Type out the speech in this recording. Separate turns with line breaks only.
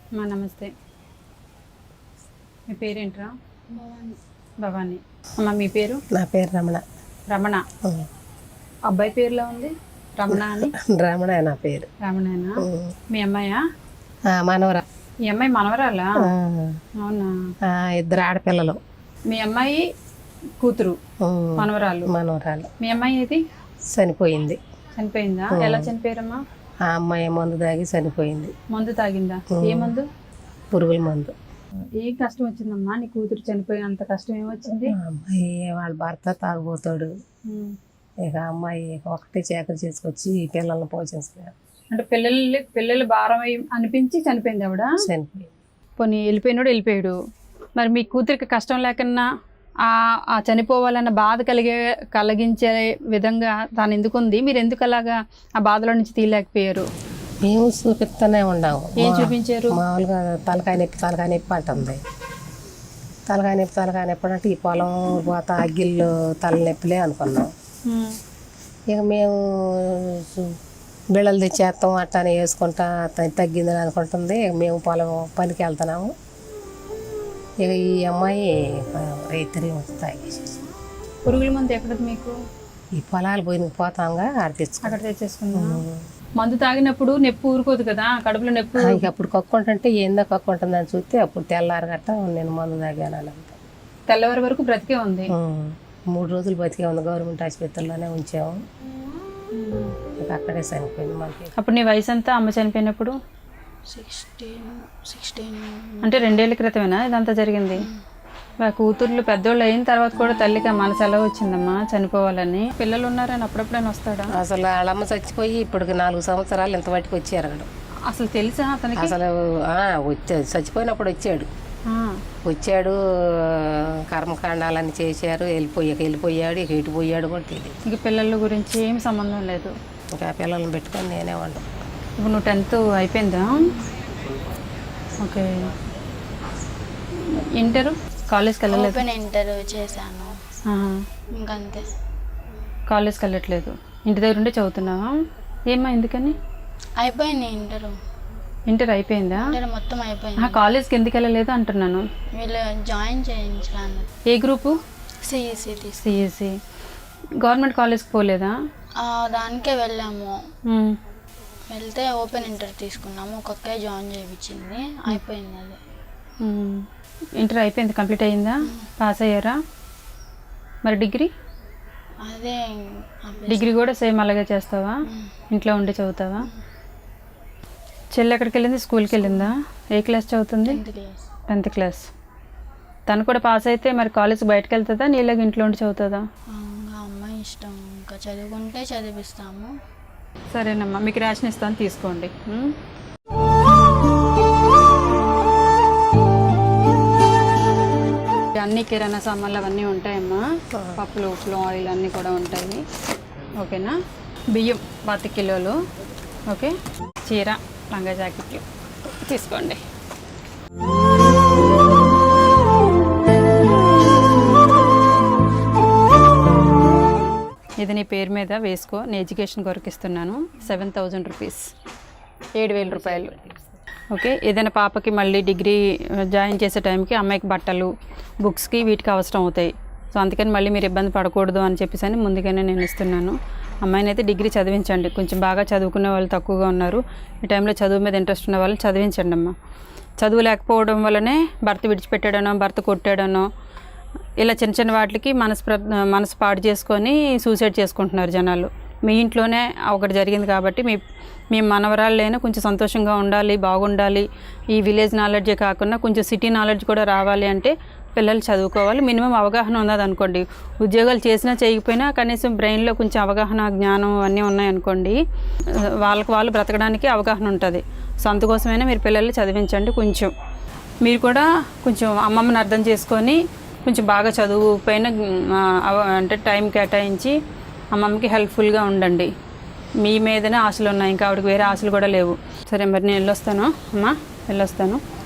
నమస్తే. మీ పేరేంట్రా? భవానీ. అమ్మ మీ పేరు?
నా పేరు రమణ.
రమణ. అబ్బాయి పేరులో ఉంది రమణ అని.
రమణ నా పేరు.
రమణేనా? మీ అమ్మాయా?
మనవరా.
మీ అమ్మాయి మనవరాలా? అవునా?
ఇద్దరు ఆడపిల్లలు.
మీ అమ్మాయి కూతురు మనవరాలు. మీ అమ్మాయి ఏది?
చనిపోయింది.
చనిపోయిందా? ఎలా చనిపోయారమ్మా?
ఆ అమ్మాయి మందు తాగి చనిపోయింది.
మందు తాగిందా? ఏ మందు?
పురుగుల మందు.
ఏ కష్టం వచ్చిందమ్మా నీ కూతురు చనిపోయినంత కష్టం ఏమొచ్చింది?
అమ్మాయి వాళ్ళ భర్త తాగుపోతాడు. ఇక అమ్మాయి ఒకటే చేకరి చేసుకొచ్చి పిల్లల్ని పోషిస్తున్నారు.
అంటే పిల్లలు భారం అనిపించి చనిపోయింది ఆవిడ?
చనిపోయింది.
పోనీ వెళ్ళిపోయాడు. మరి మీ కూతురికి కష్టం లేకన్నా ఆ చనిపోవాలన్న బాధ కలిగించే విధంగా తాను ఎందుకుంది? మీరు ఎందుకు అలాగా ఆ బాధలో నుంచి తీయలేకపోయారు?
మేము చూపిస్తూనే ఉన్నాము.
ఏం చూపించారు?
మామూలుగా తలకాయ నొప్పి అంటుంది. తలకాయ నొప్పి అంటే ఈ పొలం పోత అగ్గిళ్ళు తలనొప్పిలే అనుకున్నాం. ఇక మేము బిళ్ళలు తెచ్చేస్తాం అట్టానే వేసుకుంటా తగ్గిందని అనుకుంటుంది. ఇక మేము పొలం పనికి వెళ్తున్నాము. ఇక ఈ అమ్మాయి రైతులు తాగేసేసి.
పురుగుల మందు ఎక్కడ మీకు?
ఈ పొలాలు పోతాంగా అక్కడ
తెచ్చేసుకున్నాం. మందు తాగినప్పుడు నొప్పి ఊరుకోదు కదా, కడుపులో నొప్పి.
ఇక అప్పుడు కక్కుంటుంటే ఏందో కక్కుంటుందని చూస్తే అప్పుడు తెల్లారు గట్ట నేను మందు తాగాను.
తెల్లవారి వరకు బ్రతికే ఉంది.
3 రోజులు బతికే ఉంది. గవర్నమెంట్ ఆసుపత్రిలోనే ఉంచాము. ఇక అక్కడే చనిపోయింది మనకి.
అప్పుడు నీ వయసు అంతా అమ్మ చనిపోయినప్పుడు?
16.
అంటే 2 ఏళ్ల క్రితమేనా ఇదంతా జరిగింది? కూతుర్లు పెద్దోళ్ళు అయిన తర్వాత కూడా తల్లికి మనసు ఎలా వచ్చిందమ్మా చనిపోవాలని? పిల్లలు ఉన్నారని అప్పుడప్పుడైనా వస్తాడా?
అసలు వాళ్ళమ్మ చచ్చిపోయి ఇప్పటికి 4 సంవత్సరాలు ఇంత వాటికి వచ్చారు అక్కడ.
అసలు తెలుసా అతనికి?
అసలు వచ్చాడు, చచ్చిపోయినప్పుడు వచ్చాడు. కర్మకాండాలన్నీ చేశారు. వెళ్ళిపోయాడు. ఇక ఎటుపోయాడు కూడా తెలియదు.
ఇక పిల్లల గురించి ఏమి సంబంధం లేదు.
ఇంకా పిల్లల్ని పెట్టుకొని నేనే వండు.
ఇప్పుడు నువ్వు 10th అయిపోయిందా? ఓకే. ఇంటరు కాలేజ్కి వెళ్ళలేదు?
ఇంటర్ చేశాను ఇంకంతే.
కాలేజ్కి వెళ్ళట్లేదు, ఇంటి దగ్గర ఉండే చదువుతున్నావా? ఏమ్మా ఎందుకని?
అయిపోయింది
ఇంటర్ అయిపోయిందా?
మొత్తం అయిపోయింది.
కాలేజ్కి ఎందుకు వెళ్ళలేదు అంటున్నాను.
వీళ్ళు జాయిన్ చేయించడానికి.
ఏ గ్రూపు?
సిఎస్సి.
గవర్నమెంట్ కాలేజ్కి పోలేదా?
దానికే వెళ్ళాము. వెళ్తే ఓపెన్ ఇంటర్ తీసుకున్నాము. ఒక్కొక్క జాయిన్ చేయించింది. అయిపోయింది అది.
ఇంటర్ అయిపోయింది, కంప్లీట్ అయ్యిందా? పాస్ అయ్యారా? మరి డిగ్రీ?
అదే
డిగ్రీ కూడా సేమ్ అలాగే చేస్తావా? ఇంట్లో ఉండి చదువుతావా? చెల్లి ఎక్కడికి వెళ్ళింది? స్కూల్కి వెళ్ళిందా? ఏ క్లాస్ చదువుతుంది? 10th class. తను కూడా పాస్ అయితే మరి కాలేజ్ బయటకు వెళ్తుందా, నీలాగా ఇంట్లో ఉండి చదువుతుందా?
అమ్మాయి ఇష్టం, ఇంకా చదువుకుంటే చదివిస్తాము.
సరేనమ్మా, మీకు రేషన్ ఇస్తాను, తీసుకోండి. అన్ని కిరాణా సామాన్లు అవన్నీ ఉంటాయమ్మా. పప్పులు, ఉప్పులు, ఆయిల్ అన్నీ కూడా ఉంటాయి. ఓకేనా? బియ్యం 10 కిలోలు. ఓకే. చీర, లంగా జాకెట్లు తీసుకోండి. ఇది నీ పేరు మీద వేసుకో, నీ ఎడ్యుకేషన్ కొరకు ఇస్తున్నాను. 7,000 రూపీస్, 7,000 రూపాయలు. ఓకే. ఏదైనా పాపకి మళ్ళీ డిగ్రీ జాయిన్ చేసే టైంకి అమ్మాయికి బట్టలు, బుక్స్కి వీటికి అవసరం అవుతాయి. సో అందుకని మళ్ళీ మీరు ఇబ్బంది పడకూడదు అని చెప్పేసి ముందుగానే నేను ఇస్తున్నాను. అమ్మాయిని అయితే డిగ్రీ చదివించండి. కొంచెం బాగా చదువుకునే వాళ్ళు తక్కువగా ఉన్నారు. ఈ టైంలో చదువు మీద ఇంట్రెస్ట్ ఉన్న వాళ్ళని చదివించండి అమ్మ. చదువు లేకపోవడం వల్లనే భర్త విడిచిపెట్టాడనో, భర్త కొట్టాడనో, ఇలా చిన్న చిన్న వాటికి మనసు పాడు చేసుకొని సూసైడ్ చేసుకుంటున్నారు జనాలు. మీ ఇంట్లోనే ఒకటి జరిగింది కాబట్టి మీ మనవరాళ్ళైనా కొంచెం సంతోషంగా ఉండాలి, బాగుండాలి. ఈ విలేజ్ నాలెడ్జే కాకుండా కొంచెం సిటీ నాలెడ్జ్ కూడా రావాలి అంటే పిల్లలు చదువుకోవాలి. మినిమం అవగాహన ఉన్నది అనుకోండి. ఉద్యోగాలు చేసినా చేయకపోయినా కనీసం బ్రెయిన్లో కొంచెం అవగాహన, జ్ఞానం అన్నీ ఉన్నాయనుకోండి, వాళ్ళు బ్రతకడానికి అవగాహన ఉంటుంది. సో అందుకోసమైనా మీరు పిల్లల్ని చదివించండి. కొంచెం మీరు కూడా కొంచెం అమ్మమ్మని అర్థం చేసుకొని కొంచెం బాగా చదువు పైన అంటే టైం కేటాయించి అమ్మమ్మకి హెల్ప్ఫుల్గా ఉండండి. మీ మీదనే ఆశలు ఉన్నాయి, ఇంకా ఆవిడకి వేరే ఆశలు కూడా లేవు. సరే మరి నేను వెళ్ళొస్తాను అమ్మా, వెళ్ళొస్తాను.